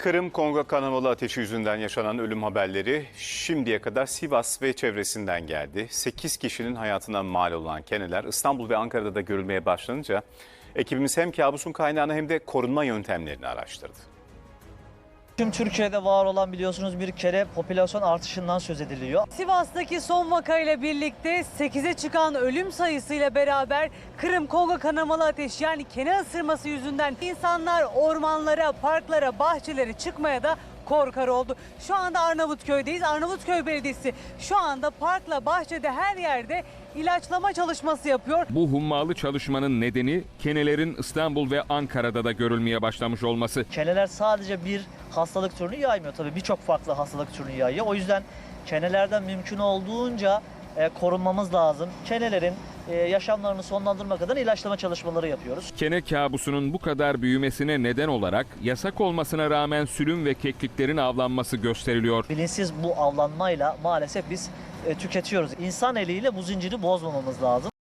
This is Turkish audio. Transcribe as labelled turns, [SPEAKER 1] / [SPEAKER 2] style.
[SPEAKER 1] Kırım-Kongo kanamalı ateşi yüzünden yaşanan ölüm haberleri şimdiye kadar Sivas ve çevresinden geldi. 8 kişinin hayatına mal olan keneler İstanbul ve Ankara'da da görülmeye başlanınca ekibimiz hem kabusun kaynağını hem de korunma yöntemlerini araştırdı.
[SPEAKER 2] Tüm Türkiye'de var olan biliyorsunuz bir kere popülasyon artışından söz ediliyor.
[SPEAKER 3] Sivas'taki son vakayla birlikte 8'e çıkan ölüm sayısıyla beraber Kırım-Kongo kanamalı ateş yani kene ısırması yüzünden insanlar ormanlara, parklara, bahçelere çıkmaya da korkar oldu. Şu anda Arnavutköy'deyiz. Arnavutköy Belediyesi şu anda parkla, bahçede her yerde ilaçlama çalışması yapıyor.
[SPEAKER 4] Bu hummalı çalışmanın nedeni kenelerin İstanbul ve Ankara'da da görülmeye başlamış olması.
[SPEAKER 2] Keneler sadece bir hastalık türünü yaymıyor. Tabii birçok farklı hastalık türünü yayıyor. O yüzden kenelerden mümkün olduğunca korunmamız lazım. Kenelerin yaşamlarını sonlandırmak adına ilaçlama çalışmaları yapıyoruz.
[SPEAKER 4] Kene kabusunun bu kadar büyümesine neden olarak yasak olmasına rağmen sülün ve kekliklerin avlanması gösteriliyor.
[SPEAKER 2] Bilinçsiz bu avlanmayla maalesef biz tüketiyoruz. İnsan eliyle bu zinciri bozmamamız lazım.